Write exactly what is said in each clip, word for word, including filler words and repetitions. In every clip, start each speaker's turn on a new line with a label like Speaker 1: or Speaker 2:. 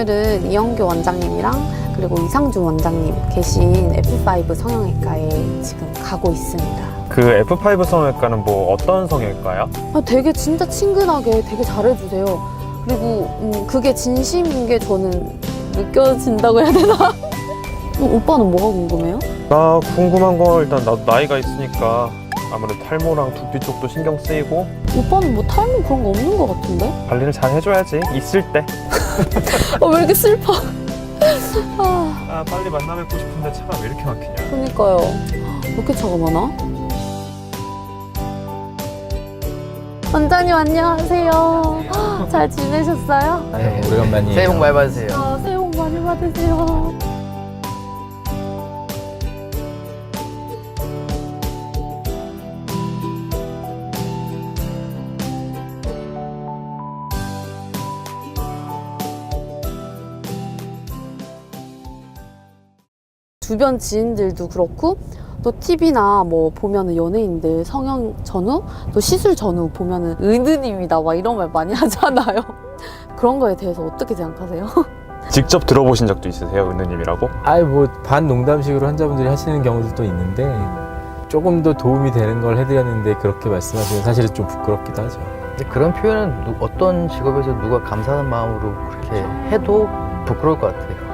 Speaker 1: 오늘은 이영규 원장님이랑 그리고 이상준 원장님 계신 에프 파이브 성형외과에 지금 가고 있습니다.
Speaker 2: 그 에프 파이브 성형외과는 뭐 어떤 성형외과요?
Speaker 1: 아, 되게 진짜 친근하게 되게 잘해주세요. 그리고 음, 그게 진심인 게 저는 느껴진다고 해야 되나? 어, 오빠는 뭐가 궁금해요?
Speaker 2: 나 궁금한 건 일단 나도 나이가 있으니까 아무래도 탈모랑 두피 쪽도 신경 쓰이고
Speaker 1: 오빠는 뭐 탈모 그런 거 없는 것 같은데?
Speaker 2: 관리를 잘 해줘야지 있을 때.
Speaker 1: 아, 왜 이렇게 슬퍼? 아,
Speaker 2: 아 빨리 만나 뵙고 싶은데 차가 왜 이렇게 막히냐.
Speaker 1: 그러니까요. 왜 이렇게 차가 많아? 원장님 안녕하세요. 잘 지내셨어요?
Speaker 3: 네, 오래간만이에요.
Speaker 4: 새해 복 많이 받으세요.
Speaker 1: 아, 새해 복 많이 받으세요. 주변 지인들도 그렇고 또 티비나 뭐 보면은 연예인들 성형 전후 또 시술 전후 보면은 은우님이다 막 이런 말 많이 하잖아요. 그런 거에 대해서 어떻게 생각하세요?
Speaker 2: 직접 들어보신 적도 있으세요? 은우님이라고?
Speaker 3: 아이 뭐 반 농담식으로 환자분들이 하시는 경우도 있는데 조금 더 도움이 되는 걸 해드렸는데 그렇게 말씀하시면 사실은 좀 부끄럽기도 하죠.
Speaker 4: 근데 그런 표현은 누, 어떤 직업에서 누가 감사하는 마음으로 그렇게 해도 부끄러울 것 같아요.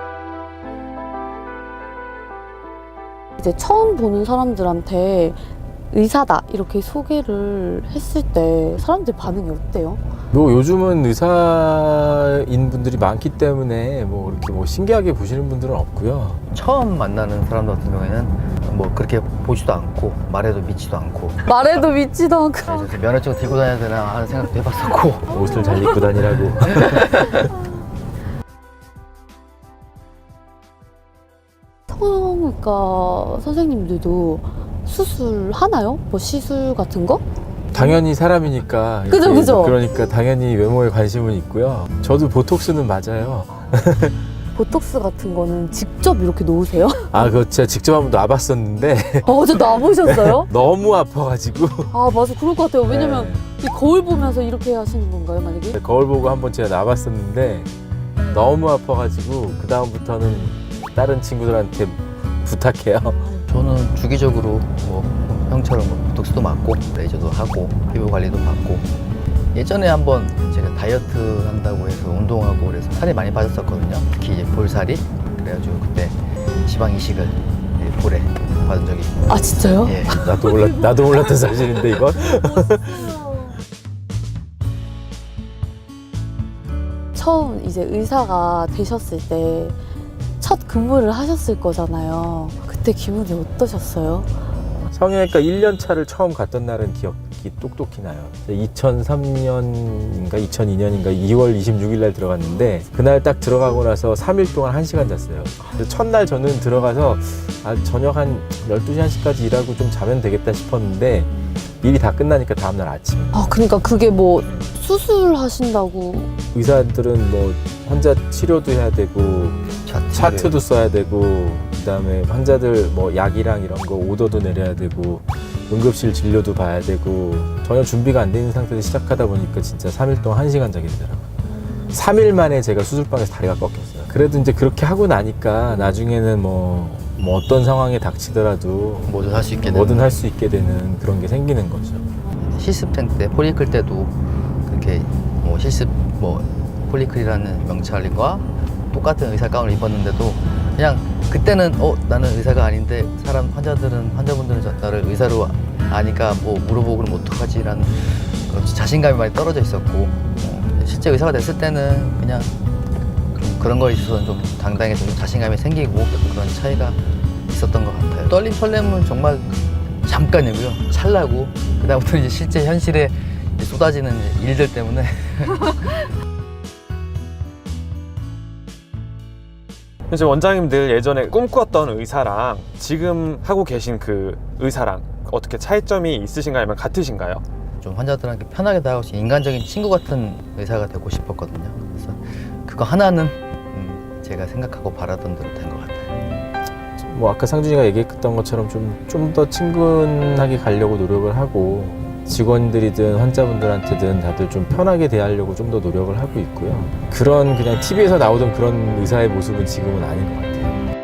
Speaker 1: 이제 처음 보는 사람들한테 의사다 이렇게 소개를 했을 때 사람들 반응이 어때요?
Speaker 3: 뭐 요즘은 의사인 분들이 많기 때문에 뭐 이렇게 뭐 신기하게 보시는 분들은 없고요.
Speaker 4: 처음 만나는 사람들 같은 경우에는 뭐 그렇게 보지도 않고 말해도 믿지도 않고
Speaker 1: 말해도 믿지도 않고
Speaker 4: 그래서 면허증 들고 다녀야 되나 하는 생각도 해봤었고
Speaker 3: 옷을 잘 입고 다니라고.
Speaker 1: 성형외과 선생님들도 수술하나요? 뭐 시술 같은 거?
Speaker 3: 당연히 사람이니까.
Speaker 1: 그죠,
Speaker 3: 이렇게
Speaker 1: 그죠.
Speaker 3: 그러니까 당연히 외모에 관심은 있고요. 저도 보톡스는 맞아요.
Speaker 1: 보톡스 같은 거는 직접 이렇게 놓으세요?
Speaker 3: 아 그거 제가 직접 한번 놔봤었는데
Speaker 1: 아, 어제 놔보셨어요?
Speaker 3: 너무 아파가지고
Speaker 1: 아, 맞아. 그럴 것 같아요. 왜냐면
Speaker 3: 네.
Speaker 1: 이 거울 보면서 이렇게 하시는 건가요, 만약에?
Speaker 3: 거울 보고 한번 제가 놔봤었는데 너무 아파가지고 그 다음부터는 다른 친구들한테 부탁해요.
Speaker 4: 저는 주기적으로 뭐 형처럼 뭐 보톡스도 맞고 레이저도 하고 피부 관리도 받고 예전에 한번 제가 다이어트 한다고 해서 운동하고 그래서 살이 많이 빠졌었거든요. 특히 이제 볼살이. 그래가지고 그때 지방 이식을 볼에 받은 적이 있고.
Speaker 1: 아, 진짜요?
Speaker 4: 예.
Speaker 3: 나도 몰랐 나도 몰랐던 사실인데 이건.
Speaker 1: 처음 이제 의사가 되셨을 때 첫 근무를 하셨을 거잖아요. 그때 기분이 어떠셨어요?
Speaker 3: 성형외과 일 년 차를 처음 갔던 날은 기억이 똑똑히 나요. 이천삼 년인가 이천이 년인가 이월 이십육일 날 들어갔는데 그날 딱 들어가고 나서 삼 일 동안 한 시간 잤어요. 첫날 저는 들어가서 아, 저녁 한 열두 시 한 시까지 일하고 좀 자면 되겠다 싶었는데 일이 다 끝나니까 다음날 아침.
Speaker 1: 아, 그러니까 그게 뭐 수술하신다고.
Speaker 3: 의사들은 뭐 환자 치료도 해야 되고
Speaker 4: 차트.
Speaker 3: 차트도 써야 되고 그다음에 환자들 뭐 약이랑 이런 거 오더도 내려야 되고 응급실 진료도 봐야 되고 전혀 준비가 안 돼 있는 상태에서 시작하다 보니까 진짜 삼 일 동안 한 시간 자게 되더라고요. 삼 일 만에 제가 수술방에서 다리가 꺾였어요. 그래도 이제 그렇게 하고 나니까 나중에는 뭐, 뭐 어떤 상황에 닥치더라도
Speaker 4: 뭐든 할 수 있게 되는.
Speaker 3: 뭐든 할 수 있게 되는 그런 게 생기는 거죠.
Speaker 4: 실습생 때 폴리클 때도 그렇게 뭐 실습 뭐 폴리클이라는 명찰과 똑같은 의사 가운을 입었는데도 그냥 그때는 어 나는 의사가 아닌데 사람 환자들은 환자분들은 저- 나를 의사로 아니까 뭐 물어보고 그럼 어떡하지라는 그런 자신감이 많이 떨어져 있었고 어, 실제 의사가 됐을 때는 그냥 그- 그런 거에 있어서는 좀 당당해서 좀 자신감이 생기고 그런 차이가 있었던 것 같아요. 떨림 설렘은 정말 잠깐이고요. 찰나고 그다음부터 이제 실제 현실에 이제 쏟아지는 이제 일들 때문에
Speaker 2: 이제 원장님들 예전에 꿈꾸었던 의사랑 지금 하고 계신 그 의사랑 어떻게 차이점이 있으신가요? 아니면 같으신가요?
Speaker 4: 좀 환자들한테 편하게 다가올 수 있는 인간적인 친구 같은 의사가 되고 싶었거든요. 그래서 그거 하나는 음, 제가 생각하고 바라던 대로 된 것 같아요.
Speaker 3: 뭐 아까 상준이가 얘기했던 것처럼 좀 좀 더 친근하게 가려고 노력을 하고 직원들이든 환자분들한테든 다들 좀 편하게 대하려고 좀 더 노력을 하고 있고요. 그런 그냥 티비에서 나오던 그런 의사의 모습은 지금은 아닌 것 같아요.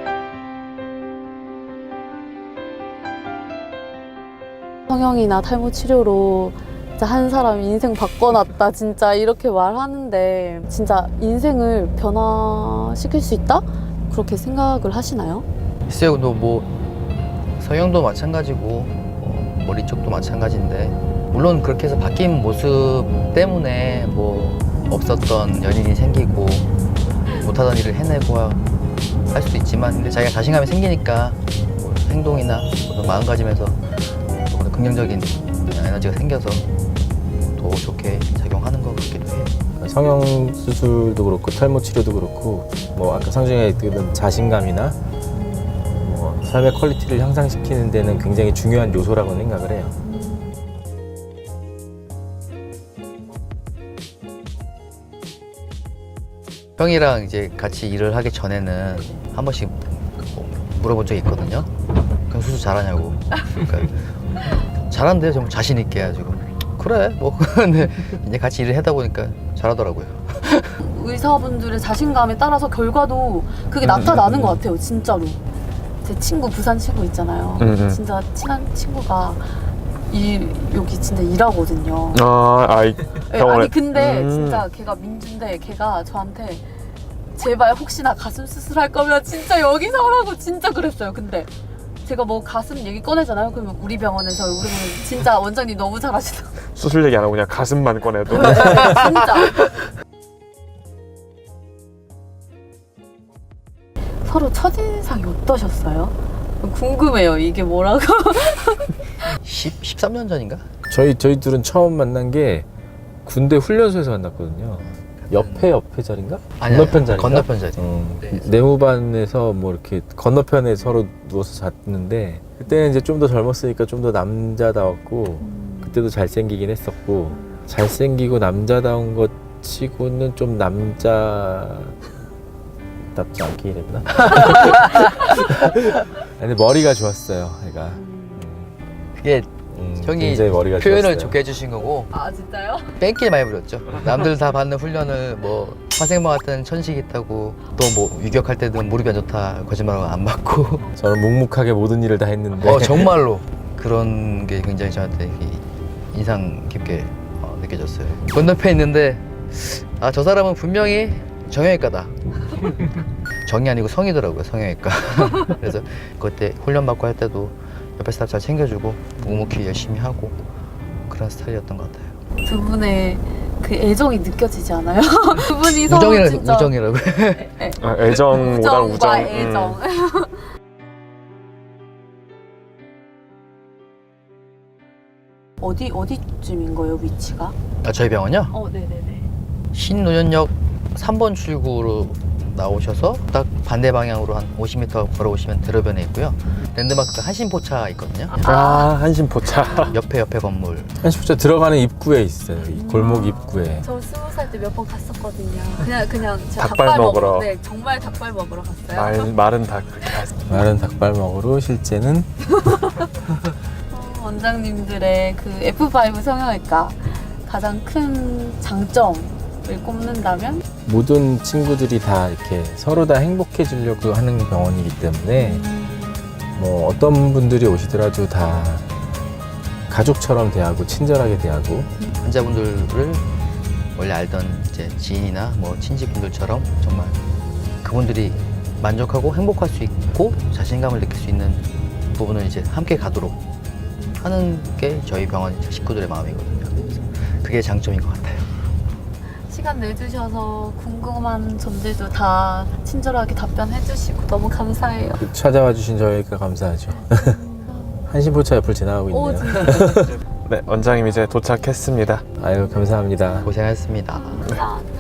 Speaker 1: 성형이나 탈모 치료로 진짜 한 사람 인생 바꿔놨다 진짜 이렇게 말하는데 진짜 인생을 변화시킬 수 있다? 그렇게 생각을 하시나요?
Speaker 4: 글쎄요, 뭐 성형도 마찬가지고 어, 머리 쪽도 마찬가지인데 물론 그렇게 해서 바뀐 모습 때문에 뭐 없었던 연인이 생기고 못하던 일을 해내고 할 수도 있지만 근데 자기가 자신감이 생기니까 뭐 행동이나 어떤 마음가짐에서 뭐 긍정적인 에너지가 생겨서 더 좋게 작용하는 것 같기도 해요.
Speaker 3: 성형 수술도 그렇고 탈모 치료도 그렇고 뭐 아까 상중에 얘기했던 자신감이나 뭐 삶의 퀄리티를 향상시키는 데는 굉장히 중요한 요소라고 생각을 해요.
Speaker 4: 형이랑 이제 같이 일을 하기 전에는 한 번씩 뭐 물어본 적이 있거든요. 그럼 수술 잘하냐고. 그러니까 잘한대요. 정말 자신 있게 해가지고. 그래 뭐 근데 이제 같이 일을 하다 보니까 잘하더라고요.
Speaker 1: 의사분들의 자신감에 따라서 결과도 그게 나타나는 것 같아요, 진짜로. 제 친구, 부산 친구 있잖아요.
Speaker 2: 음, 음.
Speaker 1: 진짜 친한 친구가 이, 여기 진짜 일하거든요.
Speaker 2: 아, 아이
Speaker 1: 네,
Speaker 2: 병원에.
Speaker 1: 아니 근데
Speaker 2: 음.
Speaker 1: 진짜 걔가 민준데 걔가 저한테 제발 혹시나 가슴 수술할 거면 진짜 여기서 하라고 진짜 그랬어요. 근데 제가 뭐 가슴 얘기 꺼내잖아요. 그러면 우리 병원에서 우리 병원 진짜 원장님 너무 잘하시다.
Speaker 2: 수술 얘기 안 하고 그냥 가슴만 꺼내도.
Speaker 1: 진짜. 서로 첫인상이 어떠셨어요? 궁금해요. 이게 뭐라고?
Speaker 4: 십, 십삼 년 전인가?
Speaker 3: 저희 저희 둘은 처음 만난 게 군대 훈련소에서 만났거든요. 옆에 옆에 자리인가?
Speaker 4: 아니,
Speaker 3: 건너편 자리인가?
Speaker 4: 건너편 자리.
Speaker 3: 어,
Speaker 4: 네.
Speaker 3: 내무반에서 뭐 이렇게 건너편에 서로 누워서 잤는데 그때는 이제 좀 더 젊었으니까 좀 더 남자다웠고 그때도 잘생기긴 했었고 잘생기고 남자다운 것 치고는 좀 남자답지 않게 이랬나? 근데 머리가 좋았어요, 얘가.
Speaker 4: 그게
Speaker 3: 음,
Speaker 4: 형이
Speaker 3: 굉장히 머리가
Speaker 4: 표현을
Speaker 3: 좋았어요.
Speaker 4: 좋게 해주신 거고
Speaker 1: 아 진짜요?
Speaker 4: 뺑길 많이 부렸죠. 남들 다 받는 훈련을 뭐 화생방 같은 천식 있다고 또 뭐 유격할 때는 무릎이 안 좋다 거짓말하고 안 받고
Speaker 3: 저는 묵묵하게 모든 일을 다 했는데
Speaker 4: 어 정말로 그런 게 굉장히 저한테 인상 깊게 어, 느껴졌어요. 건너편에 있는데 아 저 사람은 분명히 정형외과다. 정이 아니고 성이더라고요, 성형외과. 그래서 그때 훈련 받고 할 때도 옆에 스타프 잘 챙겨주고 묵묵히 열심히 하고 그런 스타일이었던 것 같아요.
Speaker 1: 두 분의 그 애정이 느껴지지 않아요? 두 분이 서로
Speaker 4: 우정이라
Speaker 1: 진짜
Speaker 4: 우정이라고.
Speaker 2: 아, 애정보다 우정.
Speaker 1: 우정과 애정.
Speaker 2: 음.
Speaker 1: 어디 어디쯤인 거예요, 위치가?
Speaker 4: 아 저희 병원요?
Speaker 1: 어, 네네네.
Speaker 4: 신노현역 삼 번 출구로 나오셔서 딱 반대 방향으로 한 오십 미터 걸어오시면 대로변에 있고요. 랜드마크가 한신포차 있거든요.
Speaker 2: 아, 한신포차.
Speaker 4: 옆에 옆에 건물.
Speaker 3: 한시부터 들어가는 입구에 있어요. 이 골목 입구에.
Speaker 1: 저 스무 살 때 몇 번 갔었거든요. 그냥 그냥 제가
Speaker 2: 닭발
Speaker 1: 닭발,
Speaker 2: 먹으러.
Speaker 1: 먹으러. 네, 정말 닭발 먹으러 갔어요.
Speaker 2: 말, 말은 다 그렇게 하죠.
Speaker 3: 마른 닭발 먹으러 실제는
Speaker 1: 어, 원장님들의 그 에프 파이브 성형외과 가장 큰 장점을 꼽는다면?
Speaker 3: 모든 친구들이 다 이렇게 서로 다 행복해지려고 하는 병원이기 때문에 뭐 어떤 분들이 오시더라도 다 가족처럼 대하고 친절하게 대하고
Speaker 4: 환자분들을 원래 알던 이제 지인이나 뭐 친지분들처럼 정말 그분들이 만족하고 행복할 수 있고 자신감을 느낄 수 있는 부분을 이제 함께 가도록 하는 게 저희 병원 식구들의 마음이거든요. 그래서 그게 장점인 것 같아요.
Speaker 1: 시간 내주셔서 궁금한 점들도 다 친절하게 답변해주시고 너무 감사해요.
Speaker 3: 찾아와 주신 저희가 감사하죠. 한신포차 옆을 지나가고
Speaker 1: 오,
Speaker 3: 있네요.
Speaker 1: 진짜
Speaker 2: 네, 원장님 이제 도착했습니다.
Speaker 3: 아유 감사합니다.
Speaker 4: 고생하셨습니다.
Speaker 1: 감사합니다.